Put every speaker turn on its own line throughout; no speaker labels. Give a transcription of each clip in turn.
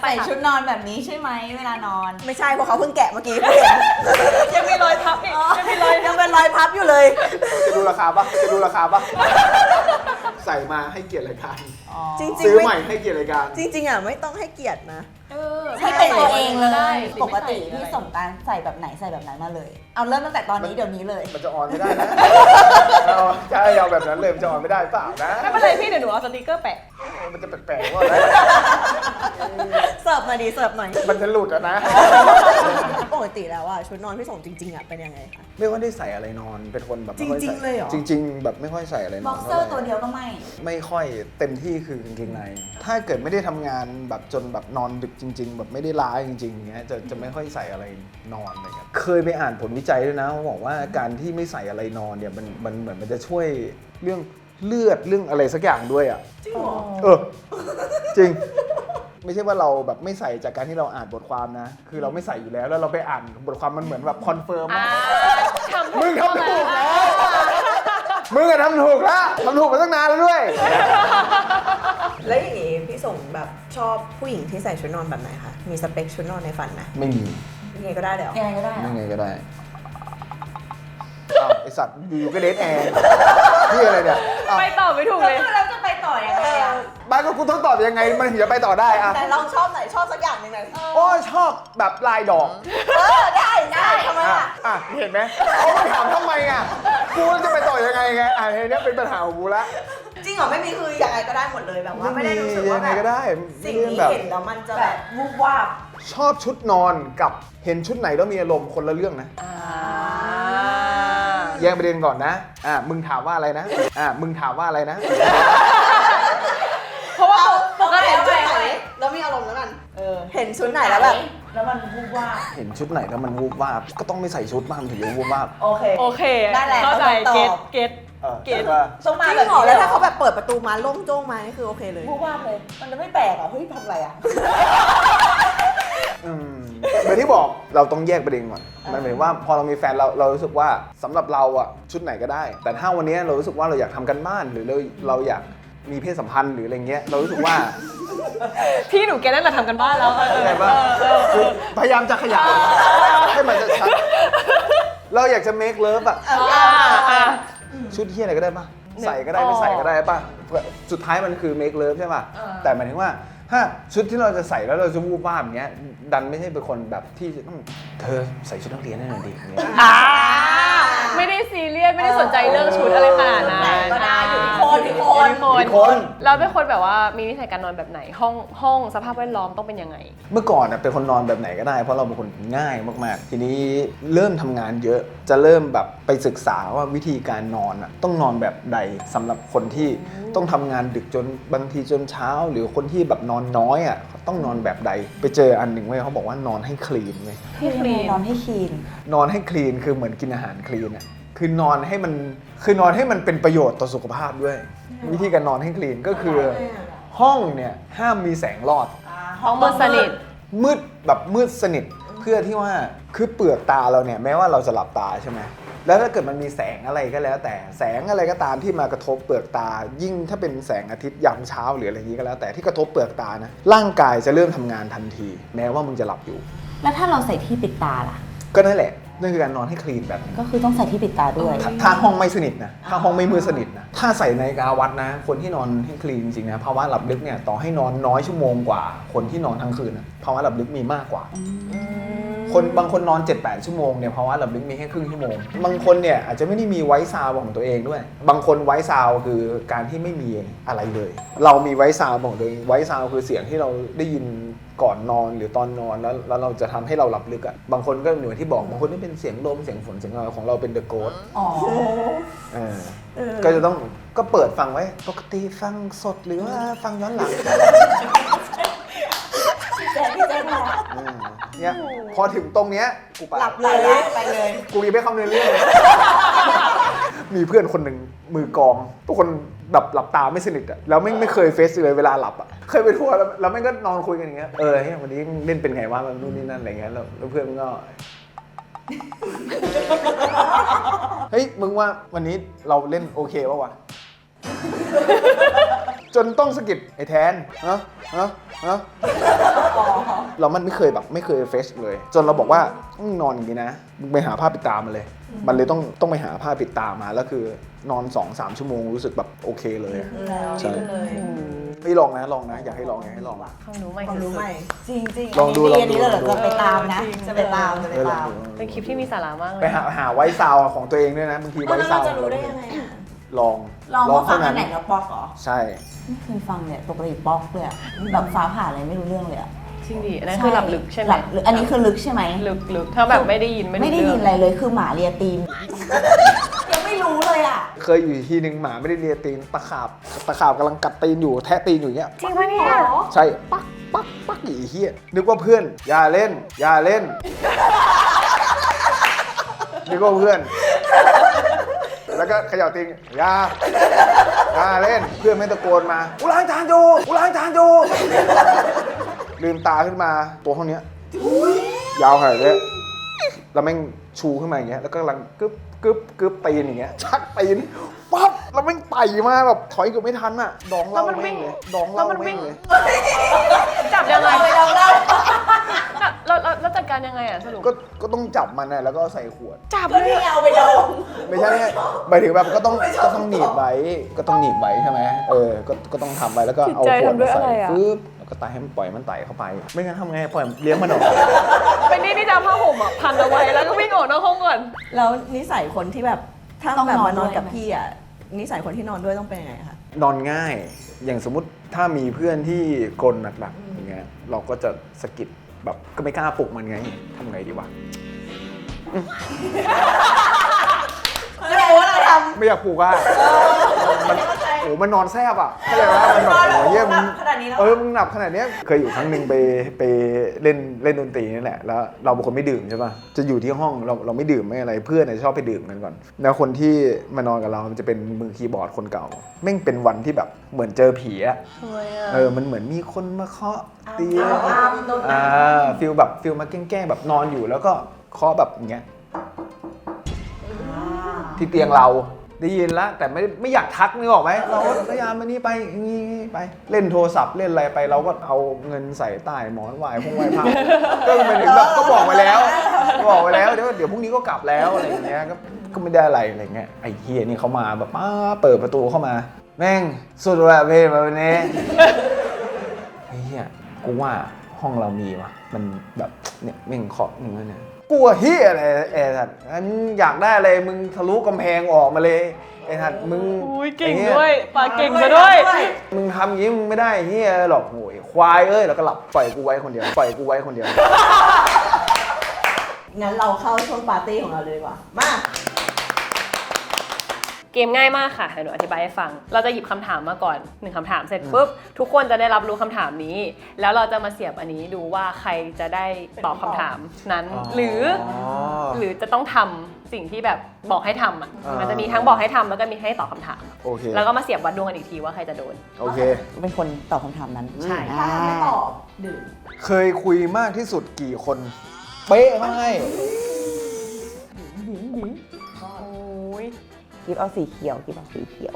ส่ชุดนอนแบบนี้ใช่ไหมเวลานอน
ไม่ใช่เพราะเขาเพิ่งแกะเมื่อกี้
ยังมีรอยพับอีกยังมีรอย
ยังเป็นรอยพับอยู่เลย
จะดูราคาปะใส่มาให้เกียรติรายการ
จริงๆ
ซื้อใหม่ให้เกียรติรายการ
จริงๆอ่ะไม่ต้องให้เกียรตินะ
ให้เป็นตัวเองเล
ได้
ยปกติพี่สงกรานต์ใส่แบบไหนใส่แบบนั้นมาเลย เอาเริ่มตั้งแต่ตอนนี้เดี๋ยวนี้เลย
มันจะออนไม่ได้นะใช่เอาแบบนั้นเลยมันจะออนไม่ได้เปล่านะ
ไม่เป็นไรพี่เดี๋ยวหนูเอาสติกเกอร์แปะ
มันจะแปลกๆว่าอะไร
เสิร์ฟมาดีเสิร์ฟหน่อย
มันจะหลุดอะนะ
ปกติแล้วอ่ะชุดนอนพี่สงจริงๆอ่ะเป็นยังไงคะ
ไม่ค่อยได้ใส่อะไรนอนเป็นคนแบบไม่ค่อ
จริงๆเลยเหรอ
จริงๆแบบไม่ค่อยใส่อะไรนอน
บ็อกเซอร์ตัวเดียวก็ไม่
ค่อยเต็มที่คือกางเกงในถ้าเกิดไม่ได้ทำงานแบบจนแบบนอนดึกจริง ๆ แบบไม่ได้ล้าจริงๆเงี้ยจะไม่ค่อยใส่อะไรนอนอะไรเงี้ยเคยไปอ่านผลวิจัยด้วยนะเขาบอกว่าการที่ไม่ใส่อะไรนอนเนี่ยมันเหมือนมันจะช่วยเรื่องเลือดเรื่องอะไรสักอย่างด้วยอ่ะ
จริงเหรอ
จริง ไม่ใช่ว่าเราแบบไม่ใส่จากการที่เราอ่านบทความนะ คือเราไม่ใส่อยู่แล้วแล้วเราไปอ่านบทความมันเหมือนแบบคอนเฟิร์มว่ามึงทำถูกแล้วมึงอะทำถูกแล้วทำถูกมาตั้งนานแล้วด้วย
แล้วอย่างงี้พี่สงแบบชอบผู้หญิงที่ใส่ชุดนอนแบบไหนคะมีสเปคชุดนอนในฝันไหม
ไม่มี
ยังไงก็ได้เดี๋ยว
ยังไงก็ได้
ไม่ไงก็ได้อ้าวไอสัตว์อยู่ก็เดทแอร์พี่อะไรเนี่ยอ้าว
ไปต่อไม่ถูกเลย
แล้วจะไปต่อยังไงอะ
บ้านก็กูต้องตอบยังไงมันถึงจะไปต่อได้อะ
แต่เราชอบไหนชอบสักอย่างหนึ่งไหน
โอ้ชอบแบบลายดอก
ได้ทำไมอ่ะ
อ่ะเห็นไหมเขามาถามทำไมอ่ะกูจะไปต่อยังไงไงอ่ะเนี้ยเป็นปัญหาของกูละ
จริงเหรอไม่มีคือยังไงก็ได้หมดเลยแบบว่าไม่ได้รู้สึกว่า
ยัง
แบ
ไง
บ
ก็ได้
สิ่งนี้
แบบ
เห็นแล้วมันจะ
แบ
แบบ บ
วูบวาบ
ชอบชุดนอนกับเห็นชุดไหนแล้วมีอารมณ์คนละเรื่องนะแยกประเด็นก่อนนะมึงถามว่าอะไรนะมึงถามว่าอะไรนะ
เพราะว่าปกติ
เห็นชุดไหนแล้วมีอารมณ์แล้วกันเห็นชุดไหนแล้วแบบ
แล้วมันวูบวาบ
เห็นชุดไหนแล้วมันวูบวาบก็ต้องไม่ใส่ชุดมากมันถึงจะวูบวาบ
โอเค
โอเค
ได้แหละ
เข้าใจ
ต้องตอบ
เก็ต
เก็ตว่า
ต้องมา
จริง
แบบ
เหรอ
นี้
แล้วถ้าเขาแบบเปิดประตูมาโล่งโจ้งมานี่คือโอเคเลย
วูบวาบเลย มันจะไม่แปลกอ่ะเฮ้ยทำอะไรอ่ะ
เหมือนที่บอกเราต้องแยกประเด็นก่อนมันหมายถึงว่าพอเรามีแฟนเรารู้สึกว่าสำหรับเราอะชุดไหนก็ได้ แต่ถ้าวันนี้เรารู้สึกว่าเราอยากทำกันบ้านหรือเราอยากมีเพศสัมพันธ์หรืออะไรเงี้ยเรารู้สึกว่า
พี่หนูแกนั่นแหละทำกันบ้านแล้ว
เข้าใจปะคือพยายามจะขยายให้มันจะชัดเราอยากจะ make love อะชุดเที่ยอะไรก็ได้ปะใส่ก็ได้ไม่ใส่ก็ได้ปะสุดท้ายมันคือ make love ใช่ปะแต่หมายถึงว่าถ้าชุดที่เราจะใส่แล้วเราจะวูบวาบอย่างเงี้ยดันไม่ใช่เป็นคนแบบที่จะต้องเธอใส่ชุดนักเรียนให้หน่อยดิอย่างเงี้ย
ไม่ได้ซีเรียสไม่ได้สนใจเรื่องชุดอะไรขนาดนั้น
ก็ได้อยู่ที่คนอยู่ที่คน
เราเป็นคนแบบว่ามีนิสัยการนอนแบบไหนห้องสภาพแวดล้อมต้องเป็นยังไง
เมื่อก่อนเป็นคนนอนแบบไหนก็ได้เพราะเราเป็นคนง่ายมากๆทีนี้เริ่มทำงานเยอะจะเริ่มแบบไปศึกษาว่าวิธีการนอนต้องนอนแบบใดสำหรับคนที่ต้องทำงานดึกจนบางทีจนเช้าหรือคนที่แบบนอนน้อยต้องนอนแบบใดไปเจออันหนึ่งเว้ยเขาบอกว่านอนให้คลีนเว้ย
ให้คลีนนอนให้คลีน
นอนให้คลีนคือเหมือนกินอาหารคลีนคือนอนให้มันเป็นประโยชน์ต่อสุขภาพด้วย วิธีการนอนให้คลีนก็คือห้องเนี่ยห้ามมีแสงรอด
ห้องมืดสนิท
มืดแบบมืดสนิทเพื่อที่ว่าคือเปลือกตาเราเนี่ยแม้ว่าเราจะหลับตาใช่ไหมแล้วถ้าเกิดมันมีแสงอะไรก็แล้วแต่แสงอะไรก็ตามที่มากระทบเปลือกตา ยิ่งถ้าเป็นแสงอาทิตย์ยามเช้าหรืออะไรอย่างนี้ก็แล้วแต่ที่กระทบเปลือกตานะร่างกายจะเริ่มทำงานทันที แม้ว่ามึงจะหลับอยู่
แล้วถ้าเราใส่ที่ปิดตาล่ะ
ก็นั่นแหละนั่นคือการนอนให้คลีนแบบนี้
ก็คือต้องใส่ที่ปิดตาด้วย
ถ้าห้องไม่สนิทนะถ้าห้องไม่มืดสนิทนะถ้าใส่นาฬิกาวัดนะ คนที่นอนให้คลีนจริงๆนะภาวะหลับลึกเนี่ยต่อให้นอนน้อยชั่วโมงกว่า คนที่นอนทั้งคืนนะภาวะหลับลึกมีมากกว่า คนบางคนนอน 7-8 ชั่วโมงเนี่ยภาวะหลับลึกมีแค่ครึ่งชั่วโมงบางคนเนี่ยอาจจะไม่ได้มีไวท์ซาวด์ของตัวเองด้วย บางคนไวท์ซาวด์คือการที่ไม่มีอะไรเลย เรามีไวท์ซาวด์ของตัวเองไวท์ซาวด์คือเสียงที่เราได้ยินก่อนนอนหรือตอนนอนแล้วเราจะทำให้เราหลับลึกอ่ะบางคนก็เหมือนที่บอกบางคนนี่เป็นเสียงลมเสียงฝนเสียงอะไรของเราเป็นเดอะโกสต์
อ๋อ
ก็จะต้องก็เปิดฟังไว้ปกติฟังสดหรือว่าฟังย้อนหลัง
พี่แจ๊คมา
เนี่ยพอถึงตรงเนี้ยกูไป
หลับเลย
ไปเลย
กูยังไม่เข้าเนื้อเรื่องเลย มีเพื่อนคนหนึ่งมือกลองทุกคนแบบหลับตาไม่สนิทอ่ะแล้วไม่เคยเฟซเลยเวลาหลับอ่ะเคยไปทัวร์แล้วไม่ก็นอนคุยกันอย่างเงี้ยเฮ้ยวันนี้เล่นเป็นไงวะนู่นนี่นั่นอะไรเงี้ยแล้วเพื่อนก็ เฮ้ยมึงว่าวันนี้เราเล่นโอเคป่าววะ จนต้องสะกิดไอ้แทนแล้วมันไม่เคยเฟชเลย จนเราบอกว่านอนอย่างนี้นะมึงไปหาผ้าปิดตามาเลย มันเลยต้องไปหาผ้าปิดตามาแล้วคือนอน 2-3 ชั่วโมงรู้สึกแบบโอเคเลยใช่ไม่ลองนะอยากให้ลอง
ความรู้ใหม่
ความรู้ใหม่
จริงๆ
ลองดู
อันนี้เลยจะไปตามนะ จะไปตาม
เป็นคลิปที่มีสาระมากเลย
ไปหาไว้ซาวของตัวเองด้วยนะบางทีไว้
แล้ว
ซา
เรา
ว
จะรู้ได้ยังไงอะ
ลอง
ว่าฟังอั
เท่าน
ไหนแล้วป๊อกเหรอ
ใช่
ไม่เคยฟังเนี่ยปกติป๊อกเลยอะแบบฟ้าผ่าอะไรไม่รู้เรื่องเลยอะ
จริงดิอันนั้นคือหลับลึกใช่ไหม
หลับลึกอันนี้คือลึกใช่ไหม
ลึกถ้าแบบไม่ได้ยิน
ไม่ได้ยินอะไรเลยคือหมาเลียตีน ยังไม่รู้เลยอ่ะ
เคยอยู่ที่หนึ่งหมาไม่ได้เลียตีนตะขาบกำลังกัดตีนอยู่แทะตีนอยู่อย่างเงี้ย
จริงปะเนี่ย
ใช่ปักอีเหี้ยนึกว่าเพื่อนอย่าเล่นนึกว่าเพื่อน แล้วก็เขย่าตีนอย่าเล่นเพื่อนไม่ตะโกนมากูล้างจานอยู่ลืมตาขึ้นมาตัวเท่านี้ยาวขนาดนี้แล้วแม่งชูขึ้นมาอย่างเงี้ยแล้วก็กำลังกึบตีนอย่างเงี้ยชักตีนปั๊บแล้วแม่งไต่มาแบบถอยเกือบไม่ทันอ่ะดองเหล่าแม่งเลยดองเหล่าแม่งเลย
จับยังไง
เรา
แล้วจัดการยังไงอ่ะสรุป
ก็ต้องจับมันนะแล้วก็ใส่ขวด
จับ
ก็
เลย
นี่เอาไปดอง
ไม่ใช่หมายถึงแบบก็ต้องหนีบไว้ใช่ไหมก็ต้องทำไว้แล้วก็เอาขวดมาใส่ปึ๊บแล้วก็ไต่ให้มันปล่อยมันไต่เข้าไป ไม่งั้นทำไงปล่อยเลี้ยงมันออก
เป็นนี่จะเอาผ้าห่มอ่ะพันเอาไว้แล้วก็วิ่งออกนอกห้องก่อน
แล้วนิสัยคนที่แบบถ้า
ต้อง
แบบ
นอน
มานอน
ด้วย
กับพี่อ่ะนิสัยคนที่นอนด้วยต้องเป็นยังไงคะ
นอนง่ายอย่างสมมุติถ้ามีเพื่อนที่กรนหนักๆอย่างเงี้ยเราก็จะสะกิดแบบก็ไม่กล้าปลุกมันไงทำไงดีวะ
ไม่ได้ว่าเราท
ไม่อยากปลุกอ่ะมันนอนแซบอ่ะเข้าใจไหมมันแบบโอ้ยเยี่ยม
ำขนาดนี้แล้ว
มึงหนับขนาดเนี้ยเคยอยู่ครั้งหนึ่งไปเล่นดนตรีนี่แหละแล้วเราเป็นคนไม่ดื่มใช่ป่ะจะอยู่ที่ห้องเราไม่ดื่มไม่อะไรเพื่อนชอบไปดื่มกันก่อนแล้วคนที่มานอนกับเรามันจะเป็นมือคีย์บอร์ดคนเก่าแม่งเป็นวันที่แบบเหมือนเจอผีอะ
ทำไมอ่ะ
มันเหมือนมีคนมาเคาะเตียงฟิลมาแกล้งๆแบบนอนอยู่แล้วก็เคาะแบบอย่างเงี้ยที่เตียงเราได้ยินแล้วแต่ไม่อยากทักนึกออกไหมเราก็พยายามมานี่ไปนี่ไปเล่นโทรศัพท์เล่นอะไรไปเราก็เอาเงินใส่ใต้หมอนไหว้พระก็ไปถึงแบบก็บอกไปแล้วเดี๋ยวพรุ่งนี้ก็กลับแล้วอะไรอย่างเงี้ยก็ไม่ได้อะไรเงี้ยไอ้เฮียนี่เขามาแบบเปิดประตูเข้ามาแม่งสุดแบบเพลมาวันนี้ไอ้เฮียกูว่าห้องเรามีวะมันแบบเนี่ยแม่งเคาะหนึ่งแล้วเนี่ยกลัวเฮียอะไรไอ้สัตว์งั้นอยากได้อะไรมึงทะลุกำแพงออกมาเลยไอ้สัตว์มึง
อุ้ยเก่งด้วยปากเก่งซะด้วย
มึงทำอย่างงี้มึงไม่ได้เฮียหรอกโวยควายแล้วก็หลับปล่อยกูไว้คนเดียว
งั้นเราเข้าช่วงปาร์ตี้ของเราเลยดีกว่ามา
เกมง่ายมากค่ะเดี๋ยวหนูอธิบายให้ฟัง เราจะหยิบคำถามมาก่อน1คำถามเสร็จปุ๊บทุกคนจะได้รับรู้คำถามนี้ แล้วเราจะมาเสียบอันนี้ดูว่าใครจะได้ตอบคำถามนั้น หรือจะต้องทำสิ่งที่แบบบอกให้ทำอ่ะมันจะมีทั้งบอกให้ทำแล้วก็มีให้ตอบคำถาม
โอเค
แล้วก็มาเสียบวัดดวงกันอีกทีว่าใครจะโดน
โอเค
เป็นคนตอบคำถามนั้น
ใช่
ถ้าไม่ตอบดื่ม
เคยคุยมากที่สุดกี่คนเป๊ะมากให้
โอ้ย
กิฟเอาสีเขียวกิฟเอาสีเขียว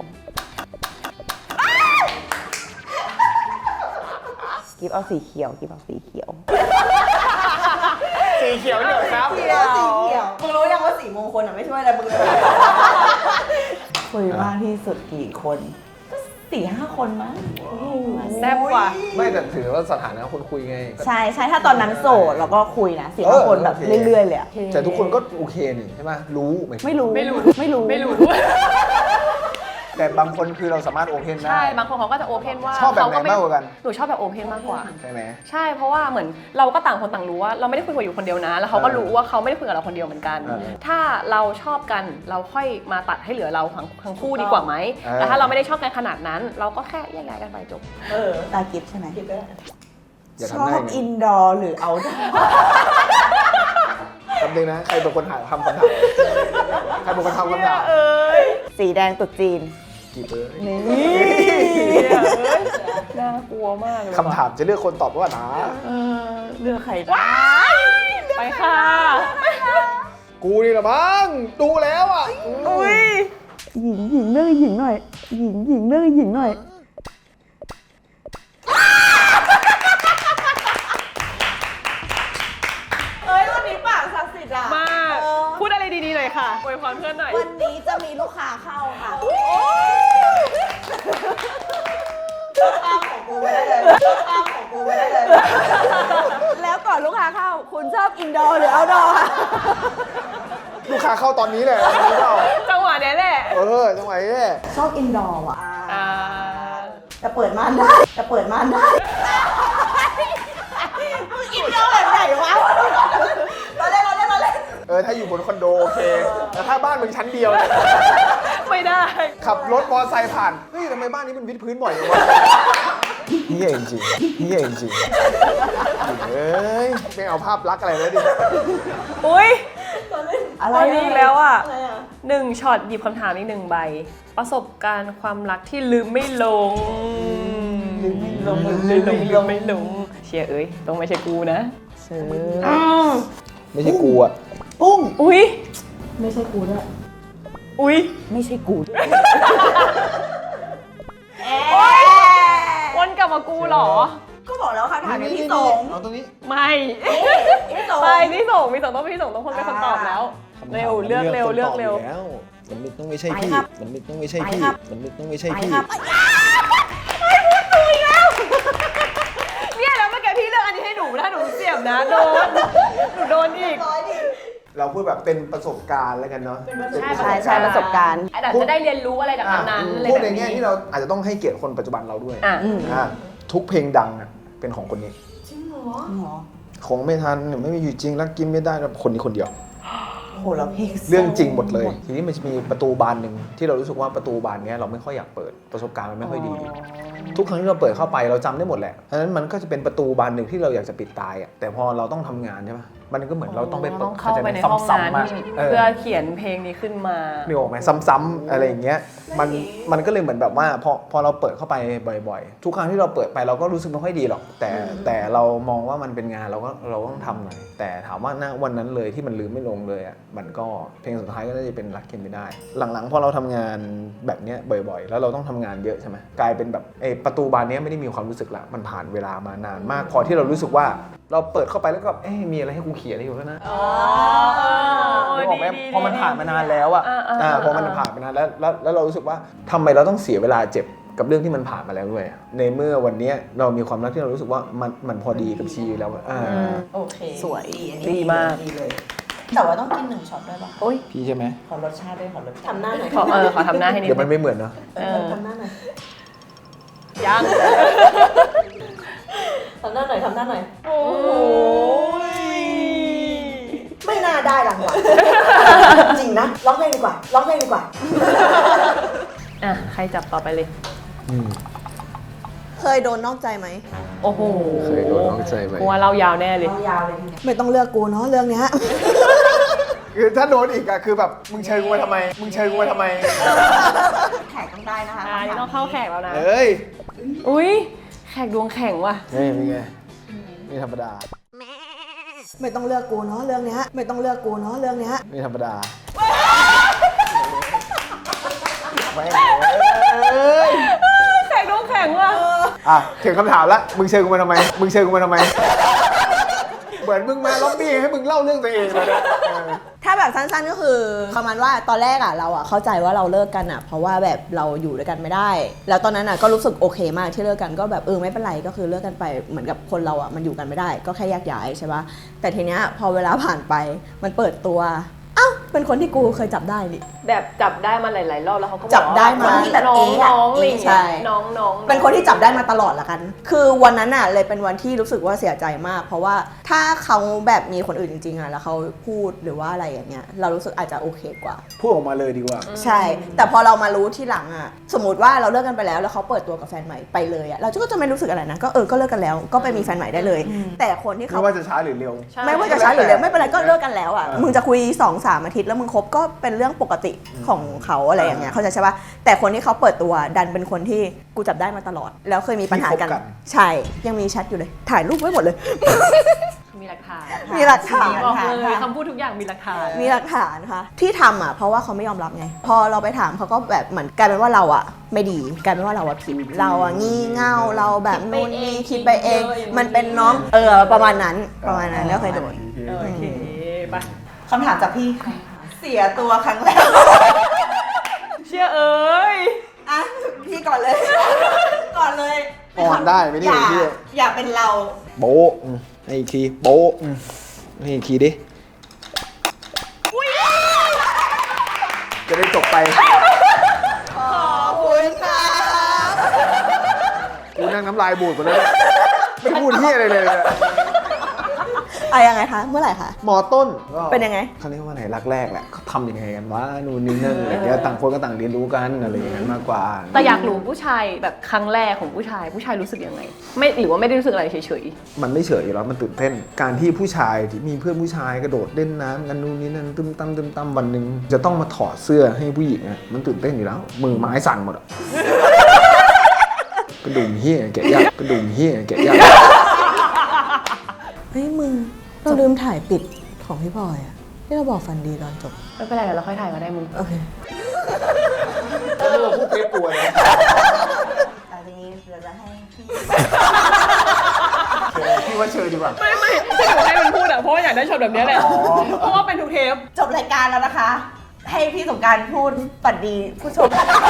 กิฟเอาสีเขียวกิฟเอาสีเขียว
สีเขียวเหลือครับ
สีเขียวมึงรู้ยังว่าสีมงคลอ่ะไม่ช่วยอะไรมึงเลย
คุยมากที่สุดกี่คนก็4-5 คนมั้ง
แซ่บกว่า
ไม่แต่ถือว่าสถานะคนคุยไง
ใช่ถ้าตอนนั้นโสดเราก็คุยนะ4-5 คนแบบ
โอเค
เรื่อยๆเลยอะ
แต่ทุกคนก็โอเคนี่ใช่ไหมรู้ไหม
ไม่รู้
แต่บางคนคือเราสามารถโอเพนได้
ใช่ บางคนเขาก็จะโอเพนว่า
ชอบแบบไหนมากกว่ากัน
หนูชอบแบบโอเพนมากกว่า
ใช่ไหม
ใช่ เพราะว่าเหมือนเราก็ต่างคนต่างรู้ว่าเราไม่ได้คุยกับอยู่คนเดียวนะ แล้วเขาก็รู้ว่าเขาไม่ได้คุยกับเราคนเดียวเหมือนกัน ถ้าเราชอบกันเราค่อยมาตัดให้เหลือเราทั้งคู่ดีกว่าไหมแต่ถ้าเราไม่ได้ชอบกันขนาดนั้น เราก็แค่แยกย้ายกันไปจบ
ตากิฟใช่ไหม
คิดก็ได้
อย่า
ช
ทำ
อ
ได้
บ
ไง
อินดอร์หรือเอาท์ดอร์
แป๊บนึงนะใครเป็นคนหาคำถามใครเป็นคนทำคำถาม
สีแดงตุ๊ดจีน
กี่เบอร์
นี่
น่ากลัวมากเลย
คำถามจะเลือกคนตอบว่านะ
เลือกใครได้
ไปค่ะ
กูนี่ละมั้งดูแล้วอ่ะ
หญิงเลือกหญิงหน่อยหญิงเลือกหญิงหน่อย
น่อยค่ะอวยพรเพื่อนหน่อย
วันนี้จะมีลูกค้าเข้าค่ะข้ามของกูไม่ได้เลยข้ามของกูไม่ได้เลย แล้วก่อนลูกค้าเข้า คุณชอบอินดอร์หรือเอาท์ดอร์คะ
ลูกค้าเข้าตอนนี้แหละรู้เปล่า
จังหวะนี้แหละ
จังหวะนี้แหละ
ชอบอินดอร์ว่ะ
อ่า
จะเปิดม่านได้จะเปิดม่านได้มึงอินดอร์แบบไหนวะเราเล่น
ถ้าอยู่บนคอนโดโอเค แต่ถ้าบ้านมึงชั้นเดียวเนี่ย
ไม่ได้
ขับรถมอเตอร์ไซค์ผ่าน เฮ้ยทำไมบ้านนี้มันวิดพื้นบ่อยจังวะเฮียจริงเฮ้ยไม่เอาภาพลักษณ์อะไรเลยดิ
อุ้ย
อะไร
ตอนนี้อีกแล้วอ่ะ
ไรอะ
1ช็อตหยิบคำถามอีก1ใบ ประสบการณ์ความรักที่ลืมไม่ลง ลืมไม่ลง เชียร์เอ้ยต้องไม่ใช่กูนะ
ไม่ใช่กูอะ
ปุ้ง
อุ้ย
ไม่ใช่กูด้วย
อุ้ย
ไม่ใช่กูด้วย
วนกลับมากูเหรอ
ก็บอกแล้วค่ะถามพี่สง
เอาตรงนี้
ไม่
พี่สง
ไม่พี่ส่งต้องพี่ส่งต้องคนเป็นคนตอบแล้ว เร็วเลือกเร็ว
มันต้องไม่ใช่พี่ มันต้องไม่ใช่พี่ มันต้องไม่ใช่
ไป
พี่
ครับ
เนี่ยแล้วเมื่อกี้พี่เลือกอันนี้ให้หนูถ้าหนูเสียบนะหนูโดนอีก
เราพูดแบบเป็นประสบการณ์แล้วกันเนาะ
ใช่ประสบการณ์
แต่จะได้เรียนรู้อะไรจากนั้นอะไร
พูด
แบบ
ในแง่
นี้
ที่เราอาจจะต้องให้เกียรติคนปัจจุบันเราด้วย
อ่ะ
ทุกเพลงดังอะเป็นของคนนี้ คงไม่ทันไม่มีอยู่จริงรักกินไม่ได้คนนี้คนเดียว
โหเราเพลง
เรื่องจริงหมดเลย ทีนี้มันจะมีประตูบานหนึ่งที่เรารู้สึกว่าประตูบานเนี้ยเราไม่ค่อยอยากเปิดประสบการณ์มันไม่ค่อยดี ทุกครั้งที่เราเปิดเข้าไปเราจำได้หมดแหละเพราะฉะนั้นมันก็จะเป็นประตูบานหนึ่งที่เราอยากจะปิดตายอ่ะแต่พอเราต้องทำงานใช่ไหมมันก็เหมือนเราต้องไปเปิ
ต้
ด
องเข้าไปในห้องนั้น
ซ้ำๆอะ
เพื่อเขียนเพลงนี้ขึ้นมา
นึกออกไหมซ้ำๆอะไรอย่างเงี้ยมันก็เลยเหมือนแบบว่าพอเราเปิดเข้าไปบ่อยๆ ทุกครั้งที่เราเปิดไปเราก็รู้สึกไม่ค่อยดีหรอกแต่เรามองว่ามันเป็นงานเราต้องทำหน่อยแต่ถามว่าณวันนั้นเลยที่มันลืมไม่ลงเลยอ่ะมันก็เพลงสุดท้ายก็น่าจะเป็นรักกินไม่ได้ หลังๆพอเราทำงานแบบเนี้ยบ่อยๆ แล้วเราต้องทำงานเยอะใช่ไหมกลายเป็นแบบประตูบานเนี้ยไม่ได้มีความรู้สึกละมันผ่านเวลามานานมาก พอที่เรารู้สึกว่าเราเปิดเข้าไปแล้วก็มีอะไรให้กูเขียนอะไรอยู่แล้วนะ นึกออกไหมพอมันผ่านมานานแล้วพอมันผ่านมานานแล้วเรารู้สึกว่าทำไมเราต้องเสียเวลาเจ็บกับเรื่องที่มันผ่านมาแล้วด้วยในเมื่อวันนี้เรามีความรักที่เรารู้สึกว่ามันพอดีกับชีวิตแล้ว
โอเค
สวย
อันนี้
ดีมาก
ดีเลย แต่ว่าต้องกิน1ช็อตด้วยป่ะ
โอ้ย
พี่ใช่ไหม
ขอรสชาติด้วยขอรสชาติ
ทำหน้าหน่อย
ขอทำหน้าให้นิด
เดี๋ยวมันไม่เหมือนเนาะ
ทำหน้าหน่อย
ยัง
ทำหน้าหน่อยทำหน้าหน่อย
โอ้ย
ไม่น่าได้รางวัล จริงนะร้องเพลงดีกว่าร้องเพลงดีกว่า
อ่ะใครจับต่อไปเลย
เคยโดนนอกใจไหม
โอ้โห
เคยโดนน้องใจไหม
กูว่าเรายาวแน่เลย
ยาวเลยทีเนี้ย
ไม่ต้องเลือกกูเนาะเรื่องเนี้ย
คือถ้าโดนอีกอะคือแบบมึงเชิญกูมาทำไม
แขกต้องได้นะคะ
นี่ต้องเข้าแขกแล้วนะ
เอ้ย
อุ้ยแขกดวงแข็งว่ะ
นี่เป็นไงนี่ธรรมดา
ไม่ต้องเลือกกูเนาะเรื่องเนี้ยไม่ต้องเลือกกูเนาะเรื่องเนี้ย
นี่ธรรมดาไม่เอ้ย
แขกดวงแข็งว่ะ
ถึงคำถามละมึงเชิญกูมาทำไม เหมือนมึงมาล็อบบี้ให้มึงเล่าเรื่องตัวเองเลยนะ
ถ้าแบบสั้นๆก็คือประมาณว่าตอนแรกเราเข้าใจว่าเราเลิกกันเพราะว่าแบบเราอยู่ด้วยกันไม่ได้ แล้วตอนนั้นก็รู้สึกโอเคมากที่เลิกกันก็แบบไม่เป็นไรก็คือเลิกกันไปเหมือนกับคนเรามันอยู่กันไม่ได้ ก็แค่แยกย้ายใช่ปะแต่ทีเนี้ยพอเวลาผ่านไปมันเปิดตัวเป็นคนที่กูเคยจับได้นี่
แบบจับได้มาหลายๆรอบแล้วเขาก็บอก
จับได้มา
ว่าน้องอะไรอย่าง
ใช่
เงี้ยน้อง
เป็นคนที่จับได้มาตลอดละกัน คือวันนั้นเลยเป็นวันที่รู้สึกว่าเสียใจมาก เพราะว่าถ้าเขาแบบมีคนอื่นจริงๆแล้วเขาพูดหรือว่าอะไรอย่างเงี้ยเรารู้สึกอาจจะโอเคกว่า
พูดออกมาเลยดีกว่า
ใช่ แต่พอเรามารู้ที่หลังสมมติว่าเราเลิกกันไปแล้วแล้วเขาเปิดตัวกับแฟนใหม่ไปเลยเราก็จะไม่รู้สึกอะไรนะก็ก็เลิกกันแล้วก็ไปมีแฟนใหม่ได้เลย แต่คนที่
ไม่
เขา
ว่าจะช้าหรือเร็ว
ไม่ว่าจะช้าหรือเร็วไม่เป็นไรก็เลิกกันแล้วมึงจะคุย 2-3 อาทิตย์แล้วมึงคบก็เป็นเรื่องปกติของเขาอะไรอย่างเงี้ยเข้าใจใช่ปะแต่คนที่เขาเปิดตัวดันเป็นคนที่กูจับได้มาตลอด แล้วเคยมีปัญหากัน
ที่คบกัน
ใช่ยังมีแชทอยู่เลยถ่ายรูปไว้หมดเลย
มีหลักฐาน
มีหลักฐาน
บอกเลยคำพูดทุกอย่างมีหลักฐาน
มีหลักฐานค่ะที่ทำเพราะว่าเขาไม่ยอมรับไงพอเราไปถามเขาก็แบบเหมือนกลายเป็นว่าเราไม่ดีกลายเป็นว่าเราผิดเรางี่เง่าเราแบบนู่นนี่คิดไปเอง มันเป็นน้องประมาณนั้นก็เคยโดน
โอเคไป
คำถามจากพี่เสียตัวครั้งแรก
เชื่อเอ้ย
อ่ะพี่ก่อนเลย ก่อนเลย
อ่อนได้ไหมเนี่ย
อย่า
พี่
อย่าเป็นเรา
โบ๊ะให้อีกทีโบ๊ะให้อีกทีดิจะได้จบไป
ขอบคุณค่ะ
กูนั่งน้ำลายบูดหมดแล้วเนี่ยไม่พูดเฮียอะไรเลยเนี่ย
ยังไงคะ เมื่อไหร่คะ
มอต้นก็
เป็นยังไง
เขาเรียกว่าไหนรักแรกแหละเขาทำยังไงกันวะนู่นนี่นั่นอะไรเงี้ยต่างคนก็ต่างเรียนรู้กันอะไรอย่างนั้นมากกว่า
แต่อยากรู้ผู้ชายแบบครั้งแรกของผู้ชายรู้สึกยังไง ไม่หรือว่าไม่ได้รู้สึกอะไรเฉย
มันไม่เฉยอยู่แล้วมันตื่นเต้น การที่ผู้ชายที่มีเพื่อนผู้ชายกระโดดเล่นน้ำกันนู่นนี่นั่นตึมตั้มวันหนึ่งจะต้องมาถอดเสื้อให้ผู้หญิงอะมันตื่นเต้นอยู่แล้วมือไม้สั่นหมดอะกระดุมเฮี้ยแกะยากกระดุมเฮี้ยแกะยาก
เฮ้ยมึง เราลืมถ่ายปิดของพี่พลอยอะที่เราบอกฝันดีตอนจบ
ๆไม่เป็นไรเดี๋ยวเราค่อยถ่ายก็ได้มึง
โอเค
ก็เรียกว่าพูดเทปกลัวนะ
แต่ทีนี้เราจะให้พี่
พี่ว่าเชิญดีกว่า
ไม่ที่หนูให้มันพูดอะเพราะว่าอยากได้ช็อตแบบนี้แหละเพราะว่าเป็นทุกเทป
จบรายการแล้วนะคะ ให้พี่สงกรารพูดฝันดีผู้ชม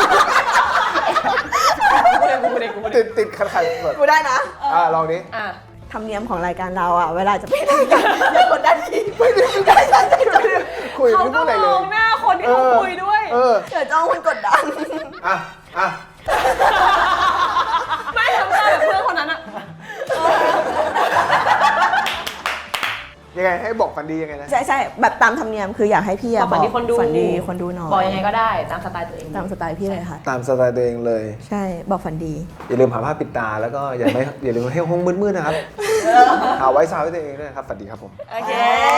ติดขัดแบบ
กูได้นะ
ลองดิ
อ่ะ
ธรรมเนียมของรายการเราอ่ะ เวลาจะไปรายการ
อย่ากดดันพี่ไม่ได้
คุย
เขา
ไม่
ก็
พูดอะไร
ม
เล
อย งหน้าคนที่เขาคุยด้วย
เดี๋ยวจ้องคุณกดดัน
อ่ะ
ไม่ทำหน้าแบบเพื่อนคนนั้นอะ
ยังไงให้บอกฝันดียังไงนะ
ใช่แบบตามธรรมเนียมคืออยากให้พี่
บ
อะ
อกฝันดีคนดู
ฝันดีคนดูหน่อย
บอกยังไงก็ได้ตามสไตล์ตัวเอง
ตามสไตล์พี่เลยค่ะ
ตามสไตล์ตัวเองเลย
ใช่ บอกฝันดี
อย่าลืมหาผ้าปิดตาแล้วก็อย่าลืมให้ห้องมืดๆนะครับหาไว้ซาวให้ตัวเองด้วยนะครับฝันดีครับผม
โอเค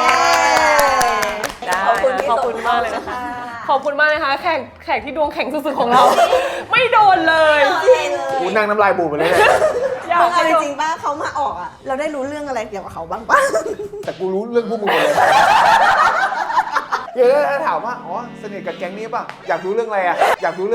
ได้
ขอบคุณที่
ขอบคุณมากเลย
ส่ง
นะคะ
มา
ขอบคุณมากเลยค่ะแขกที่ดวงแข็งสุดๆของเรา ไม่โดนเลย
กูนั่งน้ำลายบูดไปเลยเนี่ย
อยาก
มึงเอา
ให้
จ
โดน
ริงๆป่ะเขามาออกอ่ะ เราได้รู้เรื่องอะไรเกี่ยวกับเขาบ้างป่ะ
แต่กูรู้เรื่องพวกมึงหมดเลยเดี๋ยวถ้าถามว่าอ๋อสนิทกับแก๊งนี้ป่ะอยากรู้เรื่องอะไรอะ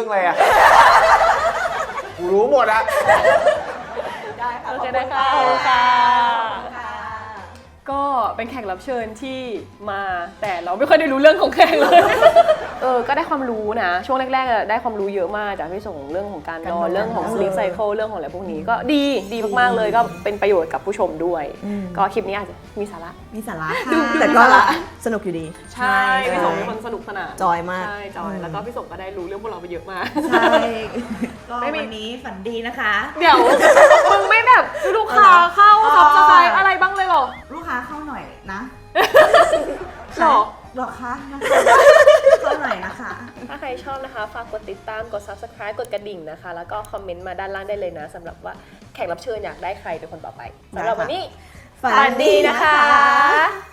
กูรู้หมดอะ
ได้ค่ะ
โอเคได้ค่ะขอบคุณค่ะ
ค่ะ
ก็เป็นแขกรับเชิญที่มาแต่เราไม่ค่อยได้รู้เรื่องของแขกเลย ก็ได้ความรู้นะ ช่วงแรกๆได้ความรู้เยอะมากจากพี่ส่งเรื่องของการนอนเรื่องของ sleep cycle เรื่องของอะไรพวกนี้ก็ดีมากๆเลยก็เป็นประโยชน์กับผู้ชมด้วย ก็คลิปนี้อาจจะมีสาระ
มีสาระ
ดู
แต่ก็
มีสาระ
สนุกอยู่ดี
ใช่พี่ส่งเป็นคนสนุกสนาน
จอยมาก
ใช่จอยแล้วก็พี่ส่งก็ได้รู้เรื่องพวกเราไปเยอะมาก
ใช่ก็
ไม่มี
วันนี้ฝันดีนะคะ
เดี๋ยวมึงไม่แบบลูกค้าเข้าซับสไครต์อะไรบ้างเลยเหรอ
ลูกค้าเข้าหน่อยนะ
หรอ
หรอคะเข้าหน่อยนะคะ
ถ้าใครชอบนะคะฝากกดติดตามกด subscribe กดกระดิ่งนะคะ แล้วก็คอมเมนต์มาด้านล่างได้เลยนะสำหรับว่าแขกรับเชิญอยากได้ใครเป็นคนต่อไปสำหรับวันนี้
ฝันดีนะคะ